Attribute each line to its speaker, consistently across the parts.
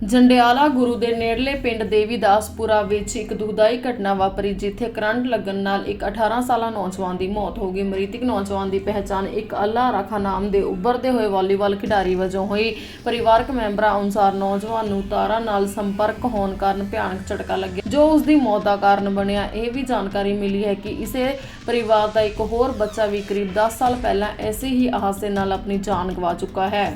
Speaker 1: ਜੰਡਿਆਲਾ ਗੁਰੂ ਦੇ ਨੇੜਲੇ ਪਿੰਡ ਦੇਵੀਦਾਸਪੁਰਾ ਵਿੱਚ ਇੱਕ ਦੁਖਦਾਈ ਘਟਨਾ ਵਾਪਰੀ, ਜਿੱਥੇ ਕਰੰਟ ਲੱਗਣ ਨਾਲ ਇੱਕ 18 ਸਾਲਾ ਨੌਜਵਾਨ ਦੀ ਮੌਤ ਹੋ ਗਈ। ਮ੍ਰਿਤਕ ਨੌਜਵਾਨ ਦੀ ਪਹਿਚਾਣ ਇੱਕ ਅੱਲਾ ਰਾਖਾ ਨਾਮ ਦੇ ਉੱਭਰਦੇ ਹੋਏ ਵਾਲੀਬਾਲ ਖਿਡਾਰੀ ਵਜੋਂ ਹੋਈ। ਪਰਿਵਾਰਕ ਮੈਂਬਰਾਂ ਅਨੁਸਾਰ ਨੌਜਵਾਨ ਨੂੰ ਤਾਰਾਂ ਨਾਲ ਸੰਪਰਕ ਹੋਣ ਕਾਰਨ ਭਿਆਨਕ ਝਟਕਾ ਲੱਗਿਆ, ਜੋ ਉਸ ਦੀ ਮੌਤ ਦਾ ਕਾਰਨ ਬਣਿਆ। ਇਹ ਵੀ ਜਾਣਕਾਰੀ ਮਿਲੀ ਹੈ ਕਿ ਇਸੇ ਪਰਿਵਾਰ ਦਾ ਇੱਕ ਹੋਰ ਬੱਚਾ ਵੀ ਕਰੀਬ 10 ਸਾਲ ਪਹਿਲਾਂ ਐਸੇ ਹੀ ਹਾਦਸੇ ਨਾਲ ਆਪਣੀ ਜਾਨ ਗਵਾ ਚੁੱਕਾ ਹੈ।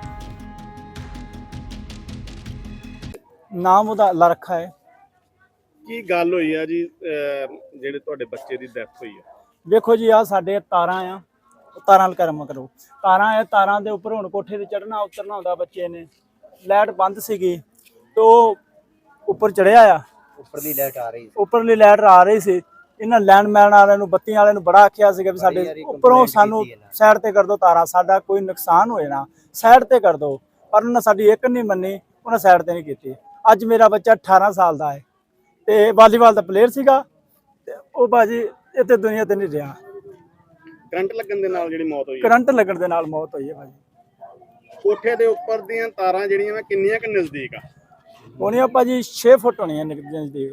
Speaker 2: ਨਾਮ ਉਹਦਾ ਅੱਲਾ ਰੱਖਾ ਹੈ।
Speaker 3: ਕੀ ਗੱਲ ਹੋਈ ਆ ਜੀ ਜਿਹੜੇ ਤੁਹਾਡੇ ਬੱਚੇ ਦੀ ਡੈਥ ਹੋਈ ਆ?
Speaker 2: ਵੇਖੋ ਜੀ, ਆ ਸਾਡੇ ਤਾਰਾਂ ਆ, ਤਾਰਾਂ ਨਾਲ ਕਰਮ ਕਰੋ। ਤਾਰਾਂ ਆ, ਤਾਰਾਂ ਦੇ ਉੱਪਰ ਹੁਣ ਕੋਠੇ ਤੇ ਚੜਨਾ ਉਤਰਨਾ ਹੁੰਦਾ। ਬੱਚੇ ਨੇ ਲਾਈਟ ਬੰਦ ਸੀਗੀ ਤੇ ਉਹ ਉੱਪਰ ਚੜਿਆ ਆ, ਉੱਪਰਲੀ ਲਾਈਟ ਆ ਰਹੀ ਸੀ। ਇਹਨਾਂ ਲੈਂਡਮੈਨ ਵਾਲਿਆਂ ਨੂੰ, ਬੱਤੀਆਂ ਵਾਲਿਆਂ ਨੂੰ ਬੜਾ ਆਖਿਆ ਸੀਗਾ ਵੀ ਸਾਡੇ ਉੱਪਰੋਂ ਸਾਨੂੰ ਸਾਈਡ ਤੇ ਕਰ ਦਿਓ ਤਾਰਾਂ, ਸਾਡਾ ਕੋਈ ਨੁਕਸਾਨ ਹੋਏ ਨਾ, ਸਾਈਡ ਤੇ ਕਰ ਦਿਓ। ਪਰ ਉਹਨਾਂ ਸਾਡੀ ਇੱਕ ਨਹੀਂ ਮੰਨੀ, ਉਹਨਾਂ ਸਾਈਡ ਤੇ ਨਹੀਂ ਕੀਤੀ। ਅੱਜ ਮੇਰਾ ਬੱਚਾ 18 ਸਾਲ ਦਾ ਹੈ ਤੇ ਵਾਲੀਬਾਲ ਦਾ ਪਲੇਅਰ ਸੀਗਾ ਤੇ ਉਹ ਬਾਜੀ ਇੱਥੇ ਦੁਨੀਆ ਤੇ ਨਹੀਂ ਰਿਹਾ।
Speaker 3: ਕਰੰਟ ਲੱਗਣ ਦੇ ਨਾਲ ਜਿਹੜੀ ਮੌਤ ਹੋਈ ਆ?
Speaker 2: ਕਰੰਟ ਲੱਗਣ ਦੇ ਨਾਲ ਮੌਤ ਹੋਈ ਹੈ ਭਾਜੀ।
Speaker 3: ਕੋਠੇ ਦੇ ਉੱਪਰ ਦੀਆਂ ਤਾਰਾਂ ਜਿਹੜੀਆਂ ਵਾ ਕਿੰਨੀਆਂ ਕੁ ਨਜ਼ਦੀਕ ਆ?
Speaker 2: ਹੋਣੀਆਂ ਭਾਜੀ 6 ਫੁੱਟ ਹੋਣੀਆਂ ਨਜ਼ਦੀਕ।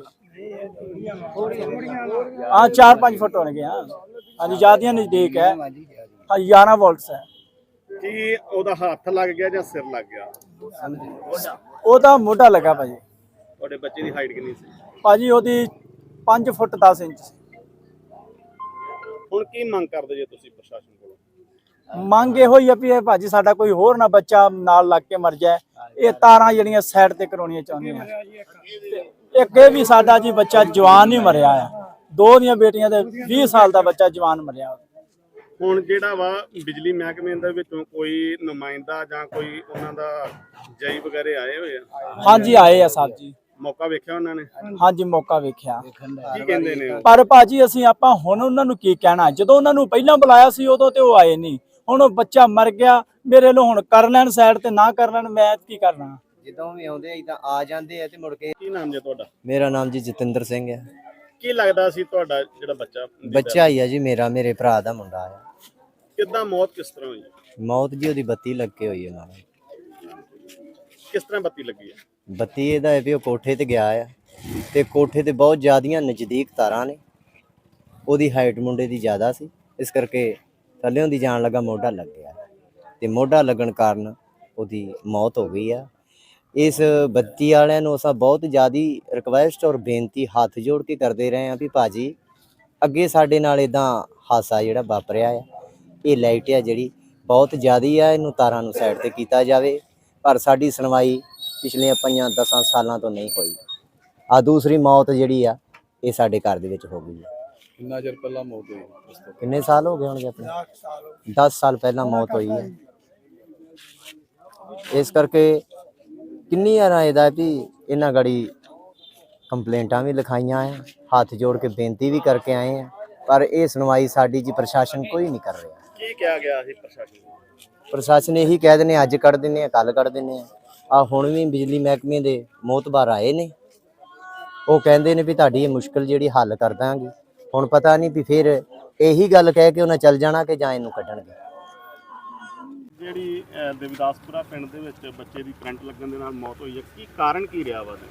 Speaker 2: ਹਾਂ 4-5 ਫੁੱਟ ਹੋਣਗੇ। ਹਾਂ ਹਾਂਜੀ, ਜ਼ਿਆਦੀਆਂ ਨਜ਼ਦੀਕ ਹੈ। ਹਾਂ 11 ਵੋਲਟਸ ਹੈ।
Speaker 3: ਕੀ ਉਹਦਾ ਹੱਥ ਲੱਗ ਗਿਆ ਜਾਂ ਸਿਰ ਲੱਗ ਗਿਆ?
Speaker 2: ਉਹਦਾ ਮੋਢਾ ਲੱਗਾ ਭਾਜੀ।
Speaker 3: ਤੁਹਾਡੇ ਬੱਚੇ ਦੀ ਹਾਈਟ ਕਿੰਨੀ ਸੀ?
Speaker 2: ਭਾਜੀ ਉਹਦੀ 5 ਫੁੱਟ 10 ਇੰਚ ਸੀ।
Speaker 3: ਹੁਣ ਕੀ ਮੰਗ ਕਰਦੇ ਜੇ ਤੁਸੀਂ ਪ੍ਰਸ਼ਾਸਨ ਕੋਲੋਂ?
Speaker 2: ਮੰਗ ਇਹੋ ਹੀ ਆ ਵੀ ਇਹ ਭਾਜੀ ਸਾਡਾ ਕੋਈ ਹੋਰ ਨਾ ਬੱਚਾ ਨਾਲ ਲੱਗ ਕੇ ਮਰ ਜਾਏ। ਇਹ ਤਾਰਾਂ ਜਿਹੜੀਆਂ ਸਾਈਡ ਤੇ ਕਰਾਉਣੀਆਂ ਚਾਹੁੰਦੇ ਆ। ਇੱਕ ਇਹ ਵੀ ਸਾਡਾ ਜੀ ਬੱਚਾ ਜਵਾਨ ਹੀ ਮਰਿਆ ਆ। ਦੋ ਦੀਆਂ ਬੇਟੀਆਂ ਦੇ 20 ਸਾਲ ਦਾ ਬੱਚਾ ਜਵਾਨ ਮਰਿਆ।
Speaker 3: ਹੁਣ ਜਿਹੜਾ ਵਾ ਬਿਜਲੀ ਮਹਿਕਮੇ ਦੇ ਵਿੱਚੋਂ ਕੋਈ ਨੁਮਾਇੰਦਾ ਜਾਂ ਕੋਈ ਉਹਨਾਂ ਦਾ ਜਈ ਵਗੈਰੇ ਆਏ ਹੋਏ ਆ?
Speaker 2: ਹਾਂਜੀ ਆਏ ਆ ਸਾਹਿਬ ਜੀ।
Speaker 3: ਮੌਕਾ ਵੇਖਿਆ ਉਹਨਾਂ ਨੇ?
Speaker 2: ਹਾਂਜੀ ਮੌਕਾ ਵੇਖਿਆ।
Speaker 3: ਕੀ ਕਹਿੰਦੇ ਨੇ ਉਹ?
Speaker 2: ਪਰ ਭਾਜੀ ਆਪਾਂ ਹੁਣ ਉਹਨਾਂ ਨੂੰ ਕੀ ਕਹਿਣਾ, ਜਦੋਂ ਉਹਨਾਂ ਨੂੰ ਪਹਿਲਾਂ ਬੁਲਾਇਆ ਸੀ ਉਦੋਂ ਤੇ ਉਹ ਆਏ ਨਹੀਂ। ਹੁਣ ਉਹ ਬੱਚਾ ਮਰ ਗਿਆ, ਮੇਰੇ ਲੋ ਹੁਣ ਕਰ ਲੈਣ ਸਾਈਡ ਤੇ ਨਾ ਕਰ ਲੈਣ, ਮੈਂ ਕੀ ਕਰਨਾ।
Speaker 4: ਜਦੋਂ ਵੀ ਆਉਂਦੇ ਇਦਾਂ ਆ ਜਾਂਦੇ ਆ ਤੇ ਮੁੜ ਕੇ।
Speaker 3: ਕੀ ਨਾਮ ਜੇ ਤੁਹਾਡਾ?
Speaker 4: ਮੇਰਾ ਨਾਮ ਜੀ ਜਤਿੰਦਰ ਸਿੰਘ ਹੈ।
Speaker 3: ਕੀ ਲੱਗਦਾ ਸੀ ਤੁਹਾਡਾ ਜਿਹੜਾ
Speaker 4: ਬੱਚਾ ਹੀ ਆ ਜੀ, ਮੇਰੇ ਭਰਾ ਦਾ ਮੁੰਡਾ ਆ।
Speaker 3: ਕਿੱਦਾਂ ਮੌਤ ਕਿਸ ਤਰ੍ਹਾਂ ਹੋਈ?
Speaker 4: ਮੌਤ ਜੀ ਉਹਦੀ ਬੱਤੀ ਲੱਗ ਕੇ ਹੋਈ ਹੈ ਨਾਲ।
Speaker 3: ਕਿਸ ਤਰ੍ਹਾਂ ਬੱਤੀ ਲੱਗੀ ਹੈ?
Speaker 4: ਬੱਤੀ ਇਹਦਾ ਹੈ ਵੀ ਉਹ ਕੋਠੇ ਤੇ ਗਿਆ ਆ ਤੇ ਕੋਠੇ ਤੇ ਬਹੁਤ ਜ਼ਿਆਦੀਆਂ ਨਜ਼ਦੀਕ ਤਾਰਾਂ ਨੇ। ਉਹਦੀ ਹਾਈਟ ਮੁੰਡੇ ਦੀ ਜ਼ਿਆਦਾ ਸੀ, ਇਸ ਕਰਕੇ ਥੱਲਿਓਂ ਦੀ ਜਾਣ ਲੱਗਾ ਮੋਢਾ ਲੱਗ ਗਿਆ ਤੇ ਮੋਢਾ ਲੱਗਣ ਕਾਰਨ ਉਹਦੀ ਮੌਤ ਹੋ ਗਈ ਆ। ਇਸ ਬੱਤੀ ਵਾਲਿਆਂ ਨੂੰ ਅਸਾਂ ਬਹੁਤ ਜ਼ਿਆਦੀ ਰਿਕਵੈਸਟ ਔਰ ਬੇਨਤੀ ਹੱਥ ਜੋੜ ਕੇ ਕਰਦੇ ਰਹੇ ਹਾਂ ਵੀ ਭਾਜੀ ਅੱਗੇ ਸਾਡੇ ਨਾਲ ਇਦਾਂ ਹਾਦਸਾ ਜਿਹੜਾ ਵਾਪਰਿਆ ਆ, ਇਹ ਲਾਈਟ ਆ ਜਿਹੜੀ ਬਹੁਤ ਜ਼ਿਆਦੀ ਆ, ਇਹਨੂੰ ਤਾਰਾਂ ਨੂੰ ਸਾਈਡ ਤੇ ਕੀਤਾ ਜਾਵੇ। ਪਰ ਸਾਡੀ ਸੁਣਵਾਈ ਪਿਛਲੇ 5-10 ਸਾਲਾਂ ਤੋਂ ਨਹੀਂ ਹੋਈ। ਆ ਦੂਸਰੀ ਮੌਤ ਜਿਹੜੀ ਆ ਇਹ ਸਾਡੇ ਘਰ ਦੇ ਵਿੱਚ ਹੋ ਗਈ ਹੈ।
Speaker 3: ਕਿੰਨਾ ਚਿਰ ਪਹਿਲਾਂ ਮੌਤ ਹੋਈ?
Speaker 4: ਕਿੰਨੇ ਸਾਲ ਹੋ ਗਏ ਹੋਣਗੇ? ਆਪਣੇ 10 ਸਾਲ ਪਹਿਲਾਂ ਮੌਤ ਹੋਈ ਹੈ। ਇਸ ਕਰਕੇ ਕਿੰਨੀ ਵਾਰ ਇਹਦਾ ਵੀ ਇਹਨਾਂ ਗੜੀ ਕੰਪਲੇਂਟਾਂ ਵੀ ਲਿਖਾਈਆਂ ਆ, ਹੱਥ ਜੋੜ ਕੇ ਬੇਨਤੀ ਵੀ ਕਰਕੇ ਆਏ ਆ, ਪਰ ਇਹ ਸੁਣਵਾਈ ਸਾਡੀ ਜੀ ਪ੍ਰਸ਼ਾਸਨ ਕੋਈ ਨਹੀਂ ਕਰ ਰਿਹਾ।
Speaker 3: ਕੀ ਕਿਹਾ ਗਿਆ ਸੀ ਪ੍ਰਸ਼ਾਸਨ ਨੂੰ?
Speaker 4: ਪ੍ਰਸ਼ਾਸਨ ਇਹੀ ਕਹਿ ਦਿੰਦੇ ਅੱਜ ਕੱਢ ਦਿੰਦੇ ਆ, ਕੱਲ ਕੱਢ ਦਿੰਦੇ ਆ। ਹੁਣ ਵੀ ਬਿਜਲੀ ਮਹਿਕਮੇ ਦੇ ਮੋਹਤਬਾਰ ਆਏ ਨੇ, ਉਹ ਕਹਿੰਦੇ ਨੇ ਵੀ ਤੁਹਾਡੀ ਇਹ ਮੁਸ਼ਕਲ ਜਿਹੜੀ ਹੱਲ ਕਰ ਦਾਂਗੇ। ਹੁਣ ਪਤਾ ਨਹੀਂ ਵੀ ਫਿਰ ਇਹੀ ਗੱਲ ਕਹਿ ਕੇ ਉਹਨਾਂ ਚੱਲ ਜਾਣਾ ਕਿ ਜਾਂ ਇਹਨੂੰ ਕੱਢਣਗੇ।
Speaker 3: ਜਿਹੜੀ ਦੇਵੀਦਾਸਪੁਰਾ ਪਿੰਡ ਦੇ ਵਿੱਚ ਬੱਚੇ ਦੀ ਕਰੰਟ ਲੱਗਣ ਦੇ ਨਾਲ ਮੌਤ ਹੋਈ ਹੈ, ਕੀ ਕਾਰਨ ਕੀ ਰਿਹਾ ਵਾ?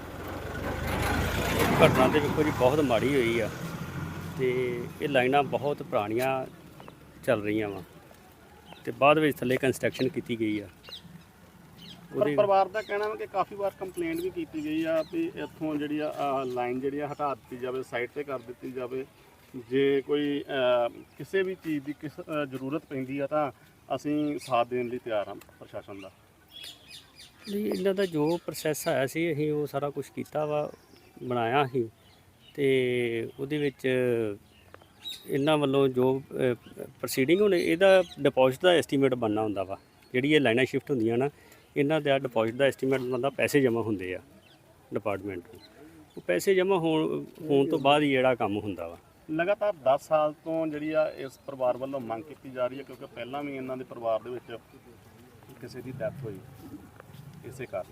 Speaker 5: ਘਟਨਾ ਤੇ ਵੇਖੋ ਜੀ ਬਹੁਤ ਮਾੜੀ ਹੋਈ ਆ ਤੇ ਇਹ ਲਾਈਨਾਂ ਬਹੁਤ ਪੁਰਾਣੀਆਂ ਚੱਲ ਰਹੀਆਂ ਵਾ ਤੇ ਬਾਅਦ ਵਿੱਚ ਥੱਲੇ ਕੰਸਟਰਕਸ਼ਨ ਕੀਤੀ ਗਈ ਆ।
Speaker 3: ਪਰ ਪਰਿਵਾਰ ਦਾ ਕਹਿਣਾ ਹੈ ਕਿ ਕਾਫੀ ਵਾਰ ਕੰਪਲੇਂਟ ਵੀ ਕੀਤੀ ਗਈ ਆ ਵੀ ਇੱਥੋਂ ਜਿਹੜੀ ਆ ਲਾਈਨ ਜਿਹੜੀ ਆ ਹਟਾ ਦਿੱਤੀ ਜਾਵੇ, ਸਾਈਡ ਤੇ ਕਰ ਦਿੱਤੀ ਜਾਵੇ। ਜੇ ਕੋਈ ਕਿਸੇ ਵੀ ਚੀਜ਼ ਦੀ ਜ਼ਰੂਰਤ ਪੈਂਦੀ ਆ ਤਾਂ ਅਸੀਂ ਸਾਥ ਦੇਣ ਲਈ ਤਿਆਰ ਹਾਂ ਪ੍ਰਸ਼ਾਸਨ ਦਾ।
Speaker 5: ਨਹੀਂ, ਇਹਨਾਂ ਦਾ ਜੋ ਪ੍ਰੋਸੈਸ ਆਇਆ ਸੀ ਅਸੀਂ ਉਹ ਸਾਰਾ ਕੁਝ ਕੀਤਾ ਵਾ, ਬਣਾਇਆ ਸੀ ਤੇ ਉਹਦੇ ਵਿੱਚ ਇਹਨਾਂ ਵੱਲੋਂ ਜੋ ਪ੍ਰੋਸੀਡਿੰਗ ਹੁਣ ਇਹਦਾ ਡਿਪੋਜ਼ਿਟ ਦਾ ਐਸਟੀਮੇਟ ਬਣਨਾ ਹੁੰਦਾ ਵਾ। ਜਿਹੜੀ ਇਹ ਲਾਈਨਾਂ ਸ਼ਿਫਟ ਹੁੰਦੀਆਂ ਨਾ, ਇਹਨਾਂ ਦਾ ਡਿਪੋਜ਼ਿਟ ਦਾ ਐਸਟੀਮੇਟ ਬਣਦਾ, ਪੈਸੇ ਜਮ੍ਹਾਂ ਹੁੰਦੇ ਆ ਡਿਪਾਰਟਮੈਂਟ ਨੂੰ। ਉਹ ਪੈਸੇ ਜਮ੍ਹਾਂ ਹੋਣ ਤੋਂ ਬਾਅਦ ਹੀ ਜਿਹੜਾ ਕੰਮ ਹੁੰਦਾ ਵਾ।
Speaker 3: ਲਗਾਤਾਰ 10 ਸਾਲ ਤੋਂ ਜਿਹੜੀ ਆ ਇਸ ਪਰਿਵਾਰ ਵੱਲੋਂ ਮੰਗ ਕੀਤੀ ਜਾ ਰਹੀ ਹੈ, ਕਿਉਂਕਿ ਪਹਿਲਾਂ ਵੀ ਇਹਨਾਂ ਦੇ ਪਰਿਵਾਰ ਦੇ ਵਿੱਚ ਕਿਸੇ ਦੀ ਡੈਥ ਹੋਈ ਇਸੇ ਕਾਰਨ।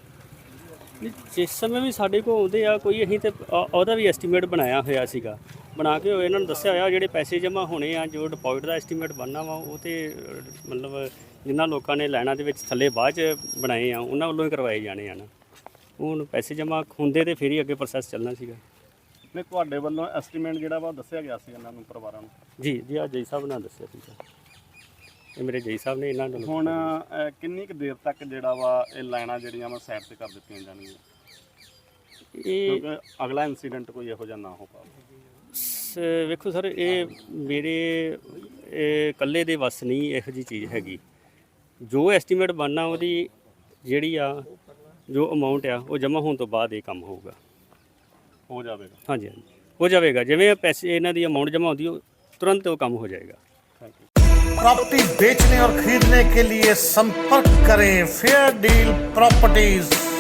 Speaker 5: ਜਿਸ ਸਮੇਂ ਵੀ ਸਾਡੇ ਕੋਲ ਆਉਂਦੇ ਆ ਕੋਈ, ਅਸੀਂ ਤੇ ਉਹਦਾ ਵੀ ਐਸਟੀਮੇਟ ਬਣਾਇਆ ਹੋਇਆ ਸੀਗਾ ਬਣਾ ਕੇ ਇਹਨਾਂ ਨੂੰ ਦੱਸਿਆ ਹੋਇਆ ਜਿਹੜੇ ਪੈਸੇ ਜਮ੍ਹਾਂ ਹੋਣੇ ਆ, ਜੋ ਡਿਪੋਜ਼ਿਟ ਦਾ ਐਸਟੀਮੇਟ ਬਣਨਾ ਵਾ, ਉਹ ਤੇ ਮਤਲਬ ਜਿਨ੍ਹਾਂ ਲੋਕਾਂ ਨੇ ਲਾਈਨਾਂ ਦੇ ਵਿੱਚ ਥੱਲੇ ਬਾਅਦ 'ਚ ਬਣਾਏ ਆ ਉਹਨਾਂ ਵੱਲੋਂ ਹੀ ਕਰਵਾਏ ਜਾਣੇ ਆ ਨਾ। ਹੁਣ ਪੈਸੇ ਜਮ੍ਹਾਂ ਹੁੰਦੇ ਤੇ ਫਿਰ ਹੀ ਅੱਗੇ ਪ੍ਰੋਸੈਸ ਚੱਲਣਾ ਸੀਗਾ।
Speaker 3: ਨਹੀਂ, ਤੁਹਾਡੇ ਵੱਲੋਂ ਐਸਟੀਮੇਟ ਜਿਹੜਾ ਵਾ ਦੱਸਿਆ ਗਿਆ ਸੀ ਇਹਨਾਂ ਨੂੰ, ਪਰਿਵਾਰਾਂ ਨੂੰ?
Speaker 5: ਜੀ ਆ ਜੈ ਸਾਹਿਬ ਨੇ ਦੱਸਿਆ ਸੀਗਾ, ਇਹ ਮੇਰੇ ਜੈ ਸਾਹਿਬ ਨੇ ਇਹਨਾਂ ਨੂੰ।
Speaker 3: ਹੁਣ ਕਿੰਨੀ ਕੁ ਦੇਰ ਤੱਕ ਜਿਹੜਾ ਵਾ ਇਹ ਲਾਈਨਾਂ ਜਿਹੜੀਆਂ ਵਾ ਸਾਈਡ ਤੇ ਕਰ ਦਿੱਤੀਆਂ ਜਾਣਗੀਆਂ,
Speaker 5: ਇਹ
Speaker 3: ਕਿਉਂਕਿ ਅਗਲਾ ਇਨਸੀਡੈਂਟ ਕੋਈ ਇਹੋ ਜਿਹਾ ਨਾ ਹੋ ਪਾਵੇ?
Speaker 5: ਵੇਖੋ ਸਰ, ਇਹ ਮੇਰੇ ਇਕੱਲੇ ਦੇ ਵੱਸ ਨਹੀਂ ਇਹੋ ਜਿਹੀ ਚੀਜ਼ ਹੈਗੀ। ਜੋ ਐਸਟੀਮੇਟ ਬਣਨਾ ਉਹਦੀ ਜਿਹੜੀ ਆ ਜੋ ਅਮਾਉਂਟ ਆ ਉਹ ਜਮ੍ਹਾਂ ਹੋਣ ਤੋਂ ਬਾਅਦ ਇਹ ਕੰਮ ਹੋਊਗਾ,
Speaker 3: ਹੋ ਜਾਵੇਗਾ।
Speaker 5: ਹਾਂਜੀ ਹੋ ਜਾਵੇਗਾ। ਜਿਵੇਂ ਪੈਸੇ ਇਹਨਾਂ ਦੀ ਅਮਾਉਂਟ ਜਮ੍ਹਾਂ ਹੁੰਦੀ ਉਹ तुरंत वो कम हो जाएगा।
Speaker 6: प्रॉपर्टी बेचने और खरीदने के लिए संपर्क करें फेयर डील प्रॉपर्टीज।